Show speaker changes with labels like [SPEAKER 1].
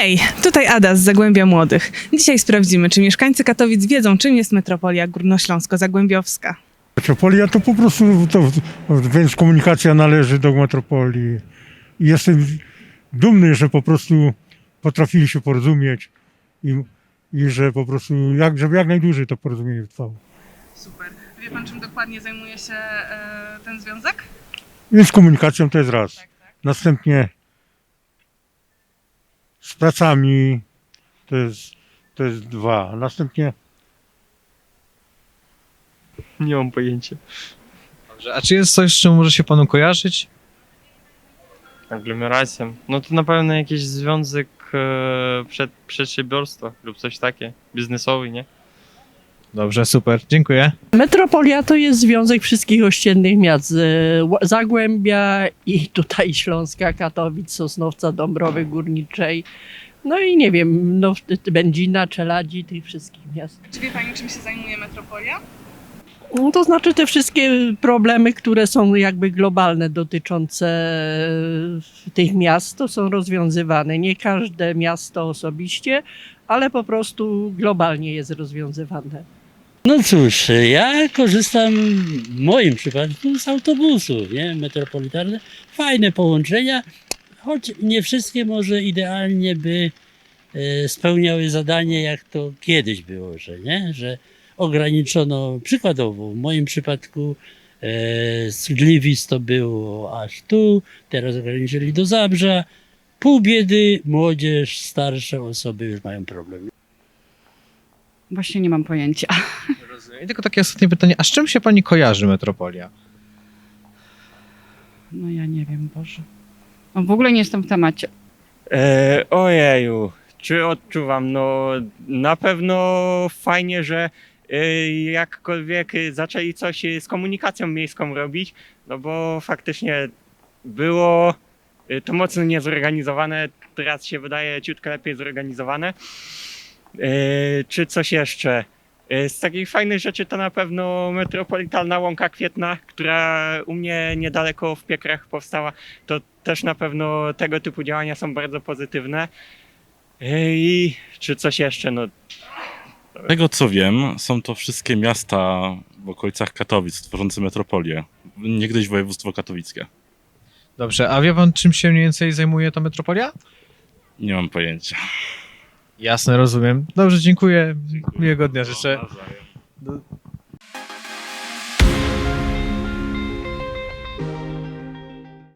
[SPEAKER 1] Hej, tutaj Ada z Zagłębia Młodych. Dzisiaj sprawdzimy, czy mieszkańcy Katowic wiedzą, czym jest metropolia górnośląsko-zagłębiowska.
[SPEAKER 2] Metropolia to po prostu, więc komunikacja należy do metropolii. I jestem dumny, że po prostu potrafili się porozumieć i że po prostu, żeby jak najdłużej to porozumienie trwało.
[SPEAKER 1] Super. Wie pan, czym dokładnie zajmuje się ten związek?
[SPEAKER 2] Więc komunikacją to jest raz.
[SPEAKER 1] Tak.
[SPEAKER 2] Następnie z pracami to jest dwa. Następnie
[SPEAKER 3] Nie mam pojęcia.
[SPEAKER 4] Dobrze, a czy jest coś, z czym może się panu kojarzyć?
[SPEAKER 3] Aglomeracją. No to na pewno jakiś związek przedsiębiorstwa lub coś takie. Biznesowy, nie?
[SPEAKER 4] Dobrze, super, dziękuję.
[SPEAKER 5] Metropolia to jest związek wszystkich ościennych miast. Zagłębia i tutaj Śląska, Katowic, Sosnowca, Dąbrowy Górniczej. No i nie wiem, no, Będzina, Czeladzi, tych wszystkich miast.
[SPEAKER 1] Czy wie pani, czym się zajmuje metropolia?
[SPEAKER 5] No, to znaczy te wszystkie problemy, które są jakby globalne dotyczące tych miast, to są rozwiązywane. Nie każde miasto osobiście, ale po prostu globalnie jest rozwiązywane.
[SPEAKER 6] No cóż, ja korzystam w moim przypadku z autobusów, nie? Metropolitalne. Fajne połączenia, choć nie wszystkie może idealnie by spełniały zadanie, jak to kiedyś było, że nie? Że ograniczono, przykładowo w moim przypadku z Gliwic to było aż tu, teraz ograniczyli do Zabrza. Pół biedy, młodzież, starsze osoby już mają problem.
[SPEAKER 7] Właśnie nie mam pojęcia.
[SPEAKER 4] Rozumiem. I tylko takie ostatnie pytanie, a z czym się pani kojarzy metropolia?
[SPEAKER 7] No ja nie wiem, Boże. No, w ogóle nie jestem w temacie.
[SPEAKER 3] Ojeju, czy odczuwam? No na pewno fajnie, że jakkolwiek zaczęli coś z komunikacją miejską robić, no bo faktycznie było to mocno niezorganizowane, teraz się wydaje ciutkę lepiej zorganizowane. Czy coś jeszcze? Z takich fajnych rzeczy to na pewno metropolitalna Łąka Kwietna, która u mnie niedaleko w Piekrach powstała. To też na pewno tego typu działania są bardzo pozytywne. I czy coś jeszcze? No,
[SPEAKER 8] Z tego co wiem, są to wszystkie miasta w okolicach Katowic tworzące metropolię. Niegdyś województwo katowickie.
[SPEAKER 4] Dobrze, a wie pan, czym się mniej więcej zajmuje ta metropolia?
[SPEAKER 8] Nie mam pojęcia.
[SPEAKER 4] Jasne, rozumiem. Dobrze, dziękuję. Miłego dnia życzę.
[SPEAKER 8] Nawzajem.